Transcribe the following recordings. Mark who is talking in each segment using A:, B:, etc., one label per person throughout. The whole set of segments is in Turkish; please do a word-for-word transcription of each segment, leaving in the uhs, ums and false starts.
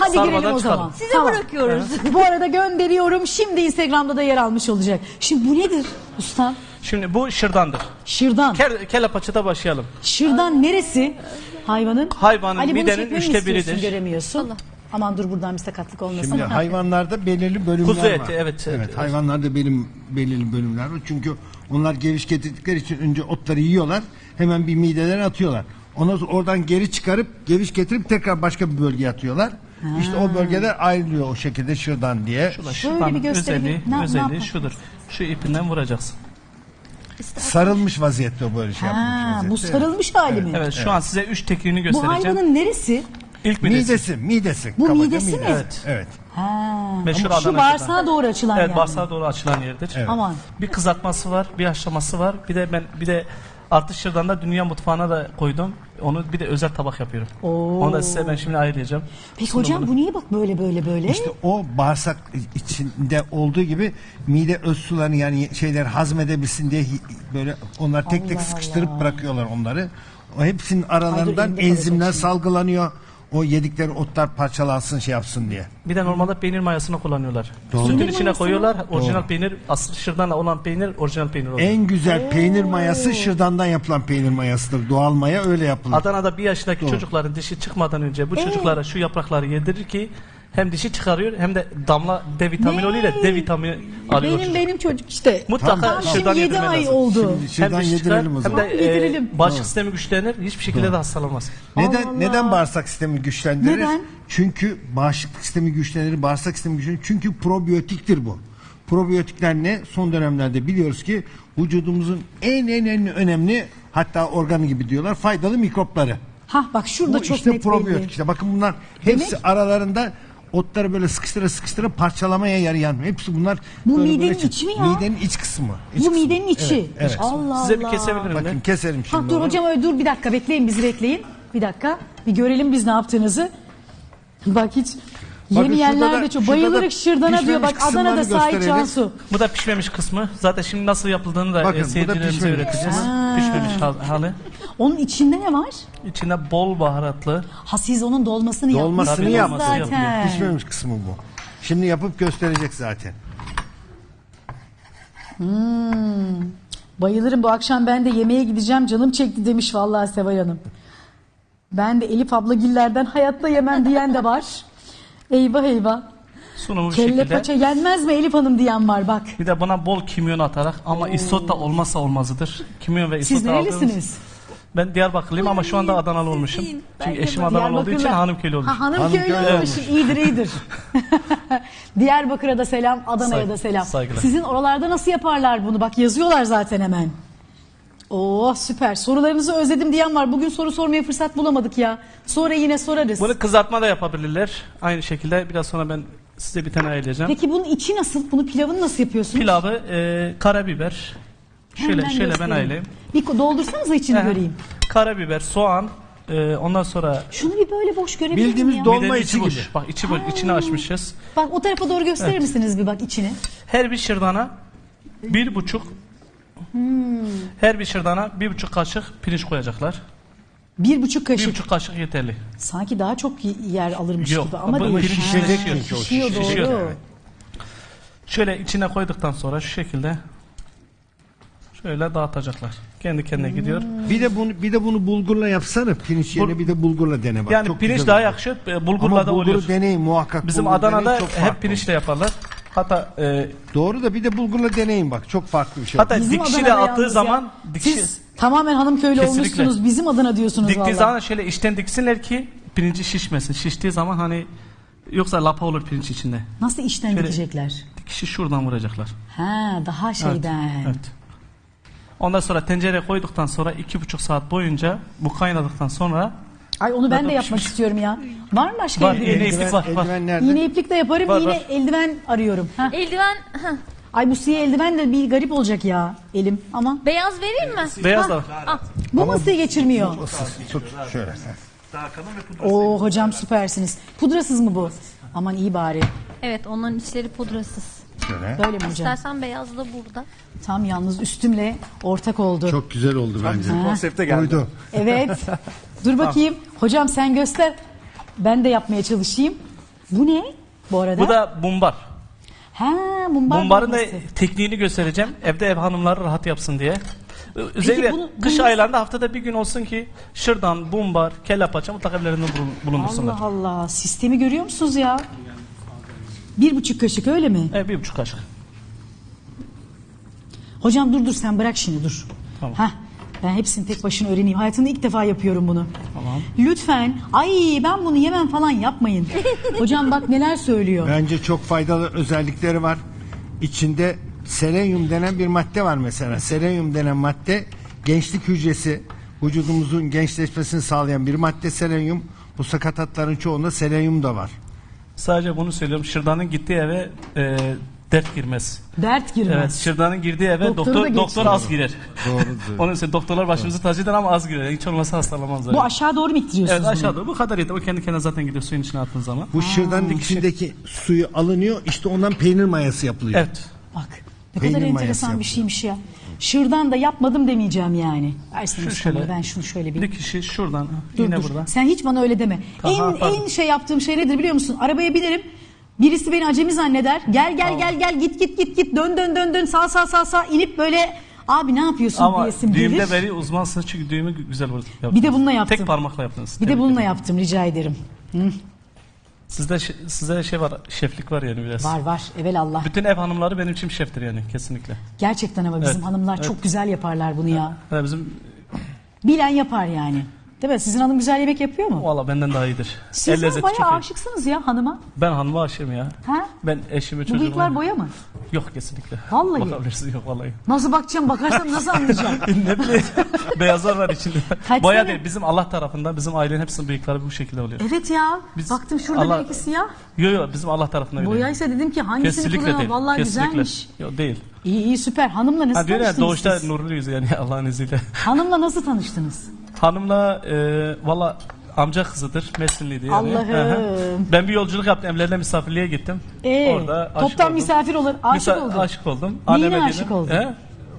A: Hadi
B: Sarmadan
A: girelim o
B: çıkalım.
A: zaman.
C: Size
A: Tamam.
C: bırakıyoruz.
A: Bu arada gönderiyorum. Şimdi Instagram'da da yer almış olacak. Şimdi bu nedir usta?
B: Şimdi bu şırdandır.
A: Şırdan.
B: Kel, kelle paçada başlayalım.
A: Şırdan neresi hayvanın?
B: Hayvanın
A: Ali, bunu
B: midenin
A: çekmemi
B: üçte
A: istiyorsun,
B: biridir.
A: göremiyorsun.
C: Allah.
A: Aman dur buradan bir sakatlık olmasın.
D: Şimdi hayvanlarda belirli bölümler
B: Kuzu
D: var.
B: eti, evet,
D: Evet,
B: evet.
D: hayvanlarda belirli, belirli bölümler var. Çünkü onlar geviş getirdikleri için önce otları yiyorlar. Hemen bir midelerine atıyorlar. Ondan sonra oradan geri çıkarıp geviş getirip tekrar başka bir bölgeye atıyorlar. İşte o bölgeler ayrılıyor o şekilde şırdan diye.
B: Şurada
A: Şöyle
B: şırdanın
A: bir gösterelim.
B: özelliği,
A: Ne- ne
B: özelliği
A: yapalım?
B: şudur. Şu ipinden vuracaksın.
D: Sarılmış vaziyette o böyle şey
A: Ha,
D: yapmış
A: bu
D: vaziyette.
A: sarılmış hali mi?
B: Evet, şu an size üç tekniğini
A: Bu
B: göstereceğim.
A: hayvanın neresi?
B: İlk midesi.
D: Midesi, midesi.
A: Bu
D: Kabaca
A: midesi mi?
D: Evet. Evet.
A: Ha.
B: Meşhur
A: Ama şu
B: Adana
A: bağırsağa
B: şırdan.
A: doğru açılan
B: Evet,
A: yani.
B: bağırsağa doğru açılan yerdir.
D: Evet.
A: Aman.
B: Bir kızartması var, bir haşlaması var. Bir de ben bir de artı şırdanda dünya mutfağına da koydum. Onu bir de özel tabak yapıyorum.
A: Oo.
B: Onu da size ben şimdi ayıracağım.
A: Peki hocam bu niye bak böyle böyle böyle?
D: İşte o bağırsak içinde olduğu gibi mide öz sularını yani şeyler hazmedebilsin diye hi- böyle onlar tek tek
A: Allah
D: sıkıştırıp
A: Allah.
D: bırakıyorlar onları. O hepsinin
A: Ay
D: aralarından
A: dur, elimde
D: enzimler
A: kalacak şimdi.
D: salgılanıyor. O yedikleri otlar parçalansın şey yapsın diye.
B: Bir de normalde peynir mayasını kullanıyorlar.
D: Doğru.
B: Sütün
A: Peynir
B: içine
A: mayası
B: koyuyorlar.
A: mı?
B: Orijinal
D: Doğru.
B: peynir, asıl şırdanla olan peynir orijinal peynir oluyor.
D: En güzel peynir mayası şırdandan yapılan peynir mayasıdır. Doğal maya öyle yapılır.
B: Adana'da bir yaşındaki
D: Doğru.
B: çocukların dişi çıkmadan önce
A: Ee?
B: bu çocuklara şu yaprakları yedirir ki hem dişi çıkarıyor hem de damla D vitamini
A: Ne?
B: oluyor da D vitamini alıyor.
A: Benim
B: çocuk.
A: benim çocuk işte.
B: Mutlaka
D: Tamam,
A: Tam
B: şırdan
A: şimdi yedi
B: yedirmen
A: ay
B: lazım.
A: oldu.
D: Şimdi
B: Hem
D: şırdan
B: diş çıkar
D: yedirelim o
B: hem
D: zaman.
B: de
A: Yedirelim.
B: e, bağışıklık sistemi güçlenir. Hiçbir şekilde de hastalanmaz.
D: Neden
A: Allah.
D: neden bağırsak sistemi güçlendirir?
A: Neden?
D: Çünkü bağışıklık sistemi güçlenir, bağırsak sistemi güçlenir. Çünkü probiyotiktir bu. Probiyotikler ne? Son dönemlerde biliyoruz ki vücudumuzun en en en önemli hatta organı gibi diyorlar faydalı mikropları.
A: Hah bak şurada
D: Bu
A: çok
D: işte
A: net
D: probiyotik.
A: belli.
D: İşte bakın bunlar hepsi
A: Demek-
D: aralarında otları böyle sıkıştıra sıkıştıra parçalamaya yarayan. Hepsi bunlar
A: Bu
D: böyle
A: midenin
D: böyle çık-
A: içi mi ya?
D: Midenin iç kısmı. İç
A: Bu
D: kısmı.
A: midenin içi.
D: Evet, evet.
A: Allah
B: Size bir
A: Allah.
B: kesebilirim
D: Bakın
B: ben.
D: keselim
A: Ha,
D: şimdi
A: dur
D: onu.
A: hocam öyle dur bir dakika bekleyin bizi bekleyin. Bir dakika bir görelim biz ne yaptığınızı. Bak hiç
D: Bakın
A: yemeyenler
D: şurada
A: de
D: da-
A: çok
D: şurada da
A: bayılırık şırdana diyor. Bak
D: pişmemiş
A: Adana'da
D: kısımlarını
A: Sait
D: gösterelim.
A: Cansu.
B: Bu da pişmemiş kısmı. Zaten şimdi nasıl yapıldığını da
D: Bakın,
B: e,
D: bu da
B: seyircilerimize
D: pişmemiş.
B: öğreteceğiz.
A: Ha.
B: Pişmemiş hal- hali.
A: Onun içinde ne var?
B: İçinde bol baharatlı.
A: Ha siz onun dolmasını,
D: Dolmasını
A: yapmışsınız
D: yapması
A: zaten.
D: Pişmemiş kısmı bu. Şimdi yapıp gösterecek zaten.
A: Bayılırım bu akşam ben de yemeğe gideceğim canım çekti demiş vallahi Seval Hanım. Ben de Elif ablagillerden hayatta yemem diyen de var. Eyvah eyvah.
B: Sunumu bu
A: Kelle
B: şekilde.
A: paça yenmez mi Elif Hanım diyen var bak.
B: Bir de buna bol kimyon atarak ama isot da olmazsa olmazıdır. Kimyon ve isot
A: Siz
B: da aldığımız-
A: nerelisiniz?
B: Ben Diyarbakırlıyım ama şu anda Adanalı olmuşum.
C: Sizin.
B: Çünkü
C: Ben
B: eşim
C: de
B: Adanalı olduğu için
A: Diyarbakırlı.
B: Hanımköylü olmuş.
A: Ha, Hanımköylü
D: Hanımköylü
A: olmuş.
D: olmuş.
A: İyidir iyidir. Diyarbakır'a da selam, Adana'ya
B: Say-
A: da selam.
B: saygılar.
A: Sizin oralarda nasıl yaparlar bunu? Bak yazıyorlar zaten hemen. Oo süper. Sorularınızı özledim diyen var. Bugün soru sormaya fırsat bulamadık ya. Sonra yine sorarız.
B: Bunu kızartma da yapabilirler. Aynı şekilde biraz sonra ben size bir tane ayıracağım.
A: Peki bunun içi nasıl? Bunu pilavını nasıl yapıyorsunuz?
B: Pilavı e, karabiber. Şöyle
A: Hemen
B: şöyle ben
A: göstereyim.
B: ayırayım.
A: Bir doldursanıza içini
B: Aha.
A: göreyim.
B: Karabiber, soğan, e, ondan sonra
A: Şunu bir böyle boş görebilir miyim
D: Bildiğimiz
A: ya?
D: dolma
B: midenin
D: içi
B: boş.
D: gibi.
B: Bak içi boş. İçini açmışız.
A: Bak o tarafa doğru gösterir misiniz bir bak içini?
B: Her bir şırdana bir buçuk her bir şırdana bir buçuk kaşık pirinç koyacaklar.
A: Bir buçuk
B: Bir
A: kaşık.
B: buçuk kaşık yeterli.
A: Sanki daha çok y- yer alırmış
B: Yok,
A: gibi ama
B: bu
A: değil.
B: pirinç
A: Ha,
D: şişecek
B: şişiyor.
D: çünkü o
A: şişiyor,
B: şişiyor.
A: doğru.
D: Evet.
B: Şöyle içine koyduktan sonra şu şekilde şöyle dağıtacaklar. Kendi kendine gidiyor.
D: Bir de bunu bir de bunu bulgurla yapsana. Pirinç yerine
B: Bul-
D: bir de bulgurla dene bak.
B: Yani
D: Çok
B: pirinç
D: güzel
B: daha
D: olur.
B: yakışıyor. e, Bulgurla
D: Ama
B: da
D: bulguru
B: oluyor.
D: deneyin muhakkak.
B: Bizim
D: bulgur
B: Adana'da
D: deneyin, çok
B: hep
D: farklı
B: pirinçle
D: olur.
B: yaparlar. Hatta e,
D: Doğru da bir de bulgurla deneyin bak. Çok farklı bir şey.
B: hatta
A: Bizim
B: dikişi de
A: Adana'da
B: attığı
A: yalnız
B: zaman
A: ya.
B: dikişi
A: Siz tamamen Hanımköylü
B: Kesinlikle.
A: olmuşsunuz. Bizim adına diyorsunuz
B: diktiği
A: vallahi.
B: zaman şöyle içten diksinler ki pirinci şişmesin. Şiştiği zaman hani yoksa lapa olur pirinç içinde.
A: Nasıl işten
B: Şöyle-
A: gidecekler?
B: Dikişi şuradan vuracaklar.
A: Ha daha şeyden.
B: Evet. Ondan sonra tencereye koyduktan sonra iki buçuk saat boyunca bu kaynadıktan sonra
A: Ay onu ben de
B: Zaten
A: yapmak
B: pişmiş.
A: istiyorum ya. Var mı başka
B: Var,
A: eldiven?
B: iğne iplik var. var.
D: Eldiven nerede?
A: İğne iplik de yaparım.
B: Var,
A: yine
B: var.
A: eldiven arıyorum. Ha.
C: Eldiven heh,
A: Ay bu siyah eldiven de bir garip olacak ya elim ama.
C: beyaz vereyim mi?
B: Beyaz da var.
C: Ah,
A: Bu masayı geçirmiyor.
D: Tut şöyle.
A: Oo hocam süpersiniz. Pudrasız mı bu? Aman iyi bari.
C: evet onların içleri pudrasız.
D: Şöyle.
A: Böyle mi hocam?
C: İstersen beyaz da burada.
A: Tam yalnız üstümle ortak oldu.
D: Çok güzel oldu bence.
B: Konsepte geldi.
D: Uydu.
A: Evet. Dur bakayım. Hocam sen göster. Ben de yapmaya çalışayım. Bu ne bu arada?
B: Bu da bumbar.
A: Ha, mumbar
B: Bumbarın da
A: dolması.
B: tekniğini göstereceğim. Evde ev hanımları rahat yapsın diye. Özellikle
A: bunu-
B: kış
A: bunu-
B: aylarında haftada bir gün olsun ki şırdan, bumbar, kelle paça mutlaka evlerinde bulun- bulundursunlar.
A: Allah Allah. Sistemi görüyor musunuz ya? Bir buçuk kaşık öyle mi?
B: Evet, bir buçuk kaşık.
A: Hocam dur dur sen bırak şimdi dur.
B: Tamam.
A: Hah, ben hepsini tek başına öğreneyim. Hayatımda ilk defa yapıyorum bunu.
B: Tamam.
A: Lütfen. Ay ben bunu yemem falan yapmayın. Hocam bak neler söylüyor.
D: Bence çok faydalı özellikleri var. İçinde selenyum denen bir madde var mesela. Selenyum denen madde gençlik hücresi, vücudumuzun gençleşmesini sağlayan bir madde selenyum. Bu sakatatların çoğunda selenyum da var.
B: Sadece bunu söylüyorum. Şırdanın gittiği eve e, dert girmez.
A: Dert girmez.
B: Evet, şırdanın girdiği eve
A: Doktoru da
B: doktor doktor
A: geçiyor.
B: az girer.
D: Doğrudur.
B: Onun için doktorlar başımızı tacı eder ama az girer. Hiç olmazsa hastalanmazlar.
A: Bu aşağı doğru mu ittiriyorsunuz
B: Evet,
A: bunu?
B: aşağıda bu kadar yeter. O kendi kendine zaten gidiyor suyun içine attığın zaman.
D: Bu şırdanın içindeki suyu alınıyor. İşte ondan peynir mayası yapılıyor.
B: Evet.
A: Bak ne
D: Peynir
A: kadar
D: mayası
A: enteresan bir
D: yapıyor.
A: şeymiş ya. Şırdan da yapmadım demeyeceğim yani. Versene
B: Şu
A: şu şöyle.
B: şöyle.
A: Ben şunu şöyle bir...
B: Bir kişi şuradan,
A: Dur
B: yine
A: dur.
B: burada.
A: Sen hiç bana öyle deme.
B: Tamam,
A: en
B: pardon.
A: en şey yaptığım şey nedir biliyor musun? Arabaya binerim. Birisi beni acemi zanneder. Gel gel gel gel git git git git dön dön dön dön sağ sağ sağ sağ inip böyle abi ne yapıyorsun
B: Ama
A: diyesim gelir.
B: düğümde beri uzmansınız çünkü düğümü gü- güzel vurdunuz.
A: Bir de bununla yaptım.
B: Tek parmakla yaptınız.
A: Bir de
B: Tebrik
A: bununla
B: ederim.
A: yaptım rica ederim. Hı,
B: Sizde şe- sizde şey var, şeflik var yani biraz.
A: var var evelallah.
B: Bütün ev hanımları benim için şeftir yani kesinlikle.
A: Gerçekten ama bizim
B: Evet,
A: hanımlar
B: evet.
A: çok güzel yaparlar bunu ya.
B: Yani bizim
A: Bilen yapar yani. Değil mi? Sizin hanım güzel yemek yapıyor mu?
B: valla benden daha iyidir.
A: Siz
B: El
A: de
B: lezzeti çok
A: bayağı
B: iyi.
A: aşıksınız ya hanıma.
B: Ben hanıma aşığım ya.
A: Ha?
B: Ben eşimi
A: Bu
B: çocuğumu...
A: bıyıklar boya mı?
B: Yok kesinlikle.
A: Vallahi.
B: Bakabilirsiniz, yok vallahi.
A: Nasıl bakacağım? Bakarsam nasıl anlayacağım?
B: Ne bileyim beyazlar var içinde.
A: Kaç
B: Boya
A: sene?
B: değil, bizim Allah tarafından bizim ailenin hepsinin bıyıkları bu şekilde oluyor.
A: Evet ya.
B: Biz-
A: Baktım şurada
B: Allah-
A: bir iki siyah.
B: Yok yok bizim Allah tarafından öyle.
A: Boyaysa dedim ki hangisini
B: Kesinlikle
A: kullanalım?
B: değil.
A: Vallahi
B: kesinlikle.
A: güzelmiş.
B: Yok değil.
A: İyi iyi süper. Hanımla nasıl
B: Ha diyor ya
A: tanıştınız
B: doğuşta
A: siz?
B: nurluyuz yani Allah'ın izniyle.
A: Hanımla nasıl tanıştınız?
B: Hanımla e, valla amca kızıdır. Mersinliydi yani.
A: Allah'ım.
B: Hı hı. Ben bir yolculuk yaptım. Evlerine misafirliğe gittim.
A: Ee,
B: Orada aşık
A: toptan
B: oldum.
A: misafir olur. Aşık
B: Misa-
A: oldun.
B: Aşık oldum.
A: Neyine
B: Anneme
A: aşık
B: dedim,
A: oldun?
B: He?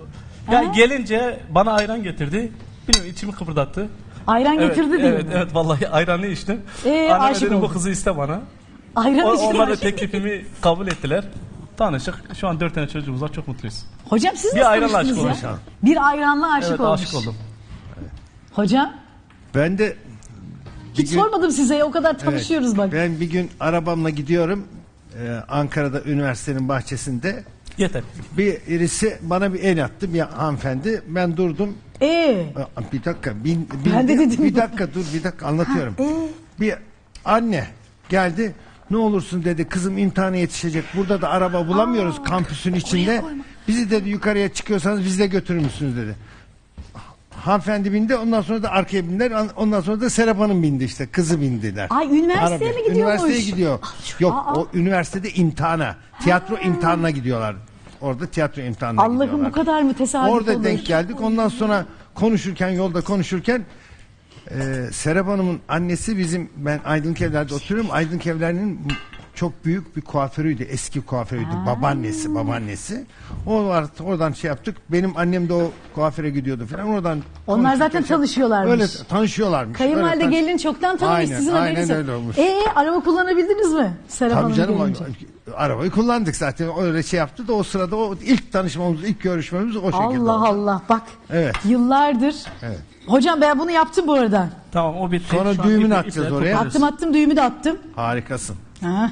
B: Ya
A: Ha?
B: gelince bana ayran getirdi. Bilmiyorum içimi kıpırdattı.
A: Ayran
B: Evet,
A: getirdi diyor.
B: evet, evet vallahi ayranı içtim.
A: Ee,
B: Anneme
A: aşık
B: dedim bu
A: oldun.
B: kızı iste bana.
A: Ayran
B: O,
A: içti
B: onlar da
A: aşık.
B: teklifimi kabul ettiler. Tanıştık. Şu an dört tane çocuğumuz var. Çok mutluyuz.
A: Hocam siz
B: Bir
A: nasıl
B: ayranla aşık
A: tanıştınız ya?
B: olmuş
A: Bir ayranla aşık
B: evet
A: olmuş.
B: aşık oldum.
A: Hocam
D: Ben de bir
A: hiç
D: gün-
A: sormadım size o kadar
D: Evet,
A: tanışıyoruz bak.
D: Ben bir gün arabamla gidiyorum. Ee, Ankara'da üniversitenin bahçesinde.
B: Yeter.
D: Birisi bana bir el attı, bir hanımefendi. Ben durdum.
A: Ee,
D: Aa, Bir dakika, bin,
A: Ben de
D: bin-
A: dedim
D: bir
A: bu.
D: dakika dur, bir dakika anlatıyorum.
A: Ha, ee?
D: Bir anne geldi. Ne olursun dedi, kızım imtihana yetişecek. Burada da araba bulamıyoruz kampüsün içinde. Bizi dedi yukarıya çıkıyorsanız biz de götürür müsünüz dedi. Hanımefendi bindi, ondan sonra da arkaya bindiler. Ondan sonra da Serap Hanım bindi işte, kızı bindiler.
A: Ay, üniversiteye
D: Arabaya.
A: mi gidiyormuş?
D: Üniversiteye gidiyor. Yok,
A: Aa.
D: o üniversitede imtihana, tiyatro imtihanına gidiyorlar. Orada tiyatro imtihanına
A: Allah'ım
D: gidiyorlar.
A: bu kadar mı tesadüf
D: Orada
A: olur?
D: denk geldik. Ondan sonra konuşurken, yolda konuşurken e, Serap Hanım'ın annesi bizim, ben Aydınlık Evler'de oturuyorum. Aydınlık Evler'in çok büyük bir kuaförüydü. Eski kuaförüydü. Babaannesi, babaannesi. O var, oradan şey yaptık. Benim annem de o kuaföre gidiyordu falan. Oradan
A: Onlar
D: konuşurken
A: zaten
D: şey-
A: tanışıyorlarmış.
D: Öyle tanışıyorlarmış.
A: Kayınvalide
D: Öyle tanış-
A: gelin çoktan tanımış
D: Aynen,
A: sizin
D: aynen
A: haberiniz yok.
D: öyle olmuş.
A: Ee, araba kullanabildiniz mi? Serap
D: Tabii
A: Hanım
D: canım
A: gelince.
D: arabayı kullandık zaten, öyle şey yaptı da o sırada o ilk tanışmamız, ilk görüşmemiz o şekilde
A: Allah
D: oldu.
A: Allah bak.
D: Evet.
A: Yıllardır.
D: Evet.
A: Hocam ben bunu yaptım bu arada.
B: Tamam o bitti.
D: Sonra
B: Şu an
D: düğümünü
B: ipi-
D: atacağız
B: ipleri
D: oraya.
B: topluyoruz.
A: Attım attım düğümü de attım.
D: Harikasın.
A: Ha.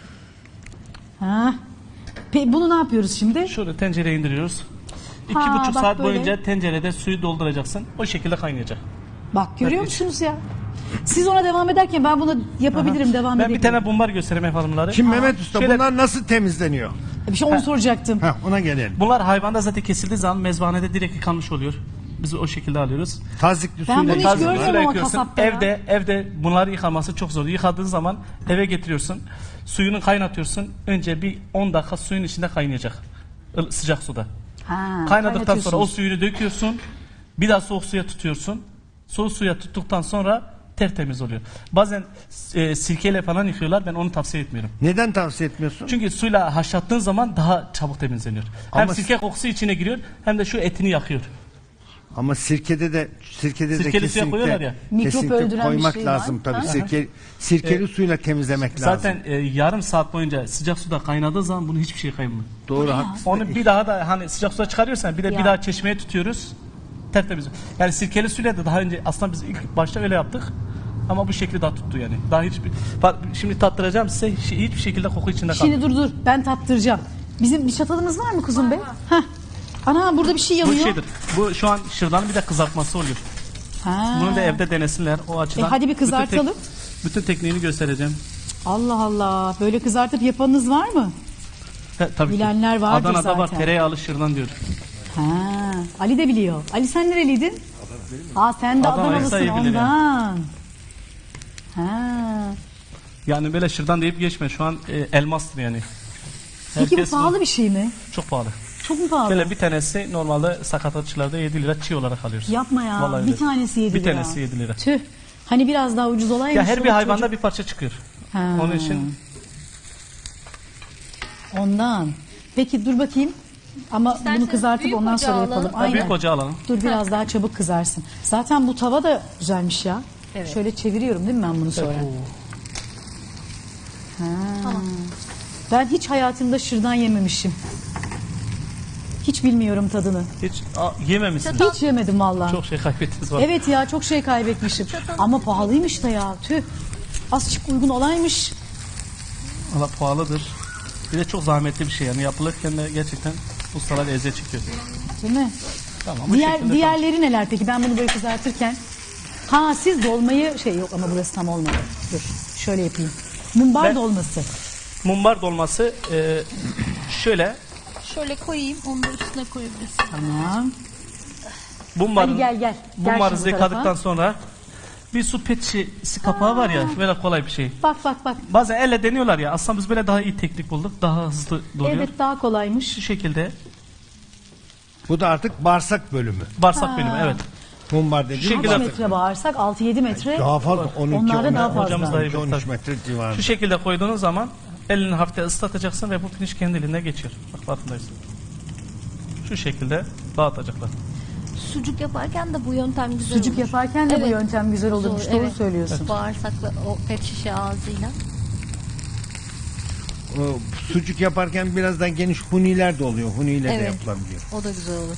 A: Ha. Pe bunu ne yapıyoruz şimdi?
B: Şöyle tencereye indiriyoruz. İki
A: Ha,
B: buçuk
A: bak
B: saat
A: böyle.
B: boyunca tencerede suyu dolduracaksın. O şekilde kaynayacak.
A: Bak görüyor
B: Evet.
A: musunuz ya? Siz ona devam ederken ben bunu yapabilirim, devam
B: Ben
A: edebilirim.
B: bir tane bumbar göstereyim ev hanımları.
D: Şimdi Mehmet Usta
B: Şöyle-
D: bunlar nasıl temizleniyor?
A: Bir şey onu soracaktım.
D: Heh, ona gelelim.
B: Bunlar hayvanda zaten kesildiği zaman mezbanede direkt yıkanmış oluyor. Biz o şekilde alıyoruz.
D: Tazikli
A: Ben
D: suyla
A: bunu hiç
D: yıkıyorlar.
A: görmüyorum
B: Suyla
A: ama
B: yıkıyorsun.
A: kasapta ya.
B: Evde evde bunları yıkaması çok zor. Yıkadığın zaman eve getiriyorsun. Suyunu kaynatıyorsun. Önce bir on dakika suyun içinde kaynayacak. Il- Sıcak suda.
A: Ha,
B: Kaynadıktan sonra o
A: kaynatıyorsunuz.
B: suyunu döküyorsun. Bir daha soğuk suya tutuyorsun. Soğuk suya tuttuktan sonra tertemiz oluyor. Bazen e, sirkeyle falan yıkıyorlar. Ben onu tavsiye etmiyorum.
D: Neden tavsiye etmiyorsun?
B: Çünkü suyla haşlattığın zaman daha çabuk temizleniyor. Hem
D: Ama-
B: sirke kokusu içine giriyor hem de şu etini yakıyor.
D: Ama sirkede de sirkede de
B: Sirkeli suya koyuyorlar
D: kesinlikle,
B: ya.
A: Mikrop
D: kesinlikle
A: öldüren bir
D: koymak
A: şey var.
D: lazım tabii.
A: Ha?
D: Sirke, sirkeli suyla temizlemek lazım.
B: Zaten e, yarım saat boyunca sıcak suda kaynadığı zaman bunu hiçbir şey kaymıyor.
D: Doğru, haklısın.
B: Onu bir daha da hani sıcak suda çıkarıyorsan bir de
A: Ya.
B: bir daha çeşmeye tutuyoruz. Tertemiz. Yani sirkeli suyla da daha önce aslında biz ilk başta öyle yaptık. Ama bu şekli daha tuttu yani. Daha hiçbir Bak, şimdi tattıracağım size hiç- hiçbir şekilde koku içinde
A: Şimdi
B: kalmıyor.
A: dur dur ben tattıracağım. Bizim bir çatalımız var mı kuzum be? Heh. Ana burada bir şey
B: Bu
A: yanıyor.
B: şeydir. Bu şu an şırdanın bir de kızartması oluyor.
A: Ha.
B: Bunu da evde denesinler o açıdan.
A: E, hadi bir
B: Bütün tek-
A: kızartalım.
B: Bütün tekniğini göstereceğim.
A: Allah Allah. Böyle kızartıp yapanınız var mı?
B: He, tabii ki.
A: Bilenler vardır
B: Adana'da var
A: zaten.
B: tereyağlı şırdan diyor.
A: Ha. Ali de biliyor. Ali sen nereliydin? Aa sen de
B: Adana'yı
A: Adanalısın
B: sayı bilir
A: ondan. Ha.
B: Yani böyle şırdan deyip geçme. Şu an e, elmastır yani.
A: Peki bu
B: Herkes
A: pahalı bir şey mi?
B: Çok pahalı.
A: Çok mu pahalı?
B: Böyle bir tanesi normalde sakatatçılarda yedi lira çiğ olarak alıyoruz.
A: Yapma ya.
B: Vallahi
A: bir
B: öyle.
A: tanesi yedi
B: Bir
A: lira.
B: tanesi yedi lira.
A: Tüh. Hani biraz daha ucuz olaymış.
B: Ya her bir
A: Çoluk
B: hayvanda
A: çocuk-
B: bir parça çıkıyor.
A: Ha.
B: Onun için
A: Ondan. Peki dur bakayım. Ama bunu
C: İsterseniz
A: kızartıp
C: büyük
A: ondan
C: ocağa
A: sonra
C: alalım.
A: yapalım.
B: Ha,
A: Aynen.
B: büyük ocağı alalım.
A: Dur biraz daha çabuk kızarsın. Zaten bu tava da güzelmiş ya.
C: Evet.
A: Şöyle çeviriyorum değil mi ben bunu sonra?
B: Oo.
C: Tamam.
A: Ben hiç hayatımda şırdan yememişim. Hiç bilmiyorum tadını.
B: Hiç a, yememişsiniz.
A: Hiç yemedim vallahi.
B: Çok şey kaybettiniz var.
A: Evet ya çok şey kaybetmişim. Ama pahalıymış da ya. Tüh. Azıcık uygun olaymış.
B: Valla pahalıdır. Bir de çok zahmetli bir şey yani yapılırken de gerçekten ustalar eziyet çekiyor.
A: Değil mi?
B: Tamam, bu
A: Diğer,
B: şekilde
A: diğerleri neler peki? Ben bunu böyle kızartırken. Ha siz dolmayı şey yok ama burası tam olmadı. Dur şöyle yapayım. Mumbar
B: Ben-
A: dolması.
B: Mumbar dolması e, şöyle
C: Şöyle koyayım, onu da üstüne koyabilirsin.
A: Tamam.
B: mumbarı,
A: Hadi gel, gel. Gel
B: mumbarı
A: şimdi bu tarafa.
B: yıkadıktan sonra bir su pet şişesi kapağı var ya böyle kolay bir şey.
A: Bak bak bak.
B: Bazen elle deniyorlar ya aslında biz böyle daha iyi teknik bulduk. Daha hızlı doluyor.
A: Evet daha kolaymış.
B: Şu şekilde
D: Bu da artık bağırsak bölümü.
B: bağırsak bölümü evet.
D: Mumbar dediğim
B: şekilde
A: Kaç
D: bağırsak.
A: metre bağırsak? altı yedi metre.
D: Daha fazla. on iki,
A: Onlarda
D: on-
A: daha fazla.
B: Hocamız daha iyi bilir,
D: on üç
B: tabii.
D: metre civarı.
B: Şu şekilde koyduğunuz zaman elini hafifte ıslatacaksın ve bu pirinç kendiliğinden geçiyor. Bak farkındaysın. Şu şekilde dağıtacaklar.
C: Sucuk yaparken de bu yöntem güzel
A: Sucuk
C: olur.
A: yaparken de bu
C: Evet.
A: yöntem güzel olurmuş. Doğru
C: evet.
A: söylüyorsun.
C: Bağırsakla o pet şişe ağzıyla.
D: O sucuk yaparken birazdan geniş huniler de oluyor. Huniyle de
C: Evet.
D: yapılabiliyor.
C: O da güzel olur.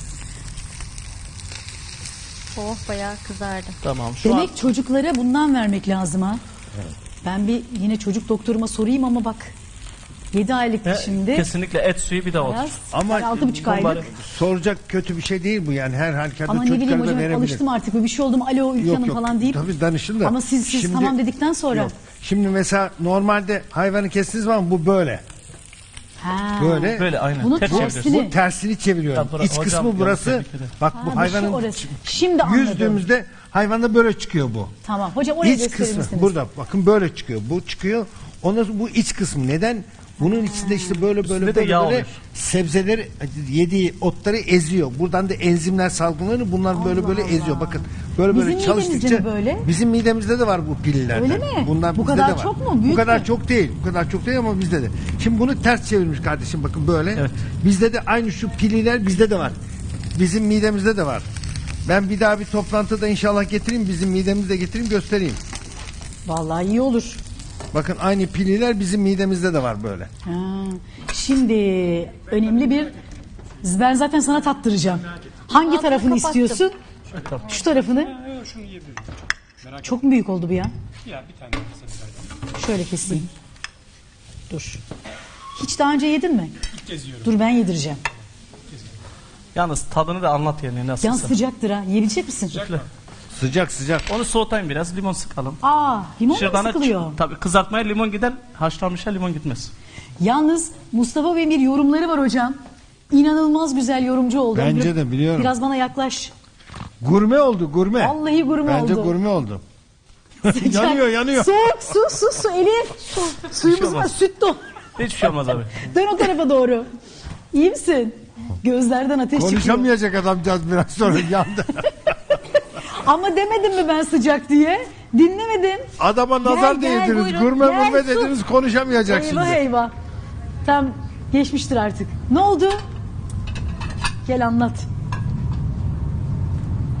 C: Oh bayağı kızardı.
B: Tamam. Şu
A: Demek
B: an
A: çocuklara bundan vermek lazım ha. Ben bir yine çocuk doktoruma sorayım ama bak. yedi aylık
B: He,
A: şimdi.
B: kesinlikle et suyu bir de ot.
A: Biraz,
D: Ama
A: yani altı buçuk
B: mumbar-
A: aylık.
D: Soracak kötü bir şey değil bu yani. Her halükarda
A: Ama ne bileyim
D: çocuklara da
A: hocam
D: verebilir.
A: alıştım artık. Bir şey oldu mu alo Ülke
D: Yok,
A: Hanım
D: yok.
A: falan deyip.
D: Tabii danışın da.
A: Ama siz, siz
D: Şimdi-
A: tamam dedikten sonra.
D: Yok. Şimdi mesela normalde hayvanı kestiniz zaman bu böyle.
A: Ha.
D: Böyle.
B: Böyle aynen.
A: Bunu
B: Ters
A: tersini-
B: çeviriyorsun.
D: Bu tersini çeviriyorum.
B: Tabii,
D: İç
B: hocam,
D: kısmı
B: yanlış
D: burası.
B: tebrik ederim.
D: Bak
A: Ha,
D: bu
A: bu şu
D: hayvanın
A: orası. Şimdi anladım.
D: yüzdüğümüzde hayvanda böyle çıkıyor bu.
A: Tamam. Hocam oraya
D: İç
A: gösterir
D: kısmı
A: misiniz?
D: burada. Bakın böyle çıkıyor. Bu çıkıyor. Ondan sonra bu iç kısmı. Neden? Bunun içinde işte böyle böyle
B: Üstünde de
D: böyle,
B: yağ
D: böyle
B: oluyor.
D: sebzeleri yediği otları eziyor. Buradan da enzimler salgılanıyor. Bunlar böyle
A: Allah
D: böyle
A: Allah.
D: eziyor. Bakın böyle
A: Bizim
D: böyle
A: midemizde
D: çalıştıkça
A: mi böyle?
D: bizim midemizde de var bu pillerden.
A: Öyle mi?
D: Bunlar
A: Bu
D: bizde
A: kadar
D: de var.
A: çok mu? Büyük
D: bu kadar
A: mü?
D: çok değil. Bu kadar çok değil ama bizde de. Şimdi bunu ters çevirmiş kardeşim bakın böyle.
B: Evet.
D: Bizde de aynı şu pililer bizde de var. Bizim midemizde de var. Ben bir daha bir toplantıda inşallah getireyim. Bizim midemizde getireyim göstereyim.
A: Vallahi iyi olur.
D: Bakın aynı pililer bizim midemizde de var böyle.
A: Ha. Şimdi önemli bir ben zaten sana tattıracağım. Hangi
C: Altını
A: tarafını
C: kapattım.
A: istiyorsun? Şu tarafını. Çok mu büyük oldu bu ya? Şöyle keseyim. Dur. Hiç daha önce yedin mi? Dur ben yedireceğim.
B: Yalnız tadını da anlat yani
A: Yan
B: nasılsa.
A: sıcaktır ha. Yiyebilecek misin?
D: Sıcak sıcak.
B: Onu soğutayım biraz limon sıkalım.
A: Aa, limon mu
B: Şırdana
A: sıkılıyor?
B: tabii kızartmaya limon gider, haşlanmışa limon gitmez.
A: Yalnız Mustafa Bey'in bir yorumları var hocam. İnanılmaz güzel yorumcu oldu.
D: Bence de biliyorum.
A: Biraz bana yaklaş.
D: Gurme oldu gurme.
A: Vallahi gurme
D: Bence
A: oldu.
D: gurme oldu.
A: Sıcak.
D: yanıyor yanıyor.
A: Soğuk su su su Elif. Su. Suyumuz var
B: olmaz.
A: süt dolu.
B: Hiçbir şey olmaz abi.
A: Dön o tarafa doğru. İyi misin? Gözlerden ateş çıkıyor.
D: Konuşamayacak adamcağız biraz sonra yandı.
A: Ama demedim mi ben sıcak diye? Dinlemedim.
D: Adama nazar
A: Gel, gel,
D: değdiniz.
A: buyurun.
D: Gurme
A: Gel,
D: gurme
A: su.
D: dediniz konuşamayacak
A: Eyvah
D: şimdi.
A: eyvah. Tam geçmiştir artık. Ne oldu? Gel anlat.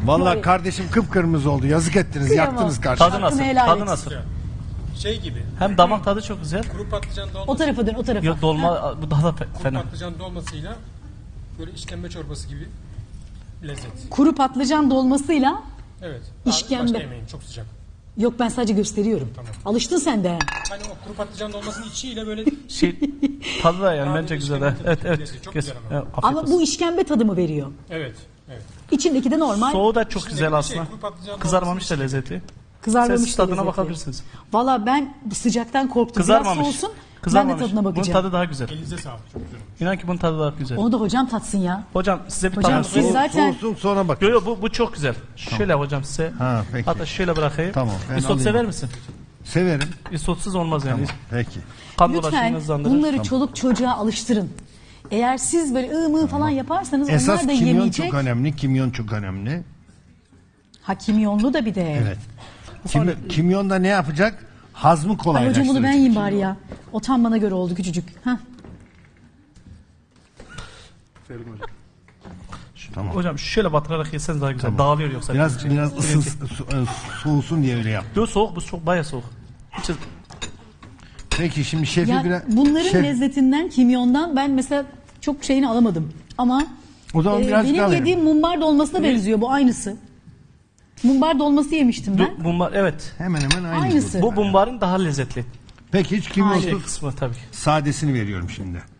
D: Vallahi kardeşim kıpkırmızı oldu. Yazık ettiniz.
A: Kıyamam.
D: Yaktınız kardeşim.
B: Tadı nasıl?
A: Hakkını helal
B: Tadı
A: et.
B: nasıl?
E: Şey gibi.
B: Hem damak tadı çok güzel.
E: Kuru patlıcan dolması.
A: O tarafa dön, o tarafa.
B: Yok dolma bu daha da fe-
E: Kuru
B: fena.
E: patlıcan dolmasıyla böyle işkembe çorbası gibi lezzet.
A: Kuru patlıcan dolmasıyla
E: Evet.
A: İşkembe.
E: Başka yemeyin, çok sıcak.
A: yok ben sadece gösteriyorum.
E: Tamam.
A: Alıştın sen de.
E: Hani o kuru patlıcan dolmasının içiyle böyle
B: Şey tadı da yani
E: Abi,
B: bence güzel.
E: işkembe
B: Evet
E: tadı
B: evet.
E: çok
B: Kes-
E: güzel ama.
B: Evet, afiyet
A: Ama
B: olsun.
A: bu işkembe tadı mı veriyor?
E: evet. Evet.
A: İçindeki de normal.
B: Soğuğu da çok
E: İçindeki
B: güzel
E: bir
B: aslında.
E: şey, kuru patlıcan
B: Kızarmamış da lezzetli.
A: Kızarmamış
B: Siz
A: da
B: tadına
A: lezzetli.
B: bakabilirsiniz.
A: Valla ben bu sıcaktan korktum. Biraz
B: Kızarmamış.
A: soğusun.
B: Kızarmamış.
A: Ben de tadına
B: Bunun
A: bakacağım.
B: tadı daha güzel.
E: Elinize sağlık. Çok güzel.
B: İnan ki bunun tadı daha güzel.
A: Onu da hocam tatsın ya.
B: Hocam size bir
A: Hocam,
B: tane
A: siz
B: soğuk.
A: zaten-
D: Soğusun sonra bak.
B: Yo yo bu, bu çok güzel. Şöyle hocam size.
D: Ha, peki.
B: Hatta şöyle bırakayım.
D: Tamam, ben
B: Isot
D: alayım.
B: sever misin?
D: Severim.
B: Isotsuz olmaz yani.
D: Peki.
B: Kan dolaşımını
A: Lütfen
B: hızlandırır.
A: bunları çoluk çocuğa alıştırın. Eğer siz böyle ığ mı falan yaparsanız
D: Esas
A: onlar da
D: kimyon
A: yemeyecek.
D: çok önemli. Kimyon çok önemli.
A: Ha kimyonlu da bir de.
D: Evet. Kim, kimyon da ne yapacak? Hazmı
A: Ay hocam
D: kolaylaştıracak.
A: bunu ben yiyeyim bari ya. O tam bana göre oldu küçücük. Hah.
D: Tamam.
B: Hocam şöyle batırarak yeseniz daha güzel. Dağılıyor yoksa.
D: Biraz
B: Şey-
D: biraz ısın, su- e, soğusun diye öyle yap.
B: Yo soğuk bu soğuk bayağı soğuk. Hiç
D: Peki şimdi şefi
A: Ya
D: biraz...
A: bunların
D: şef-
A: lezzetinden, kimyondan ben mesela çok şeyini alamadım. Ama
D: O zaman
A: e,
D: biraz
A: benim
D: daha verin.
A: yediğim mumbar dolmasına benziyor bu aynısı. Mumbar dolması yemiştim ben.
B: bu bumbar evet.
D: Hemen hemen aynı.
A: Aynısı.
B: Bu bumbarın daha lezzetli.
D: Peki hiç
B: Şey
D: kimyonsuz
B: kısmı tabii.
D: sadesini veriyorum şimdi.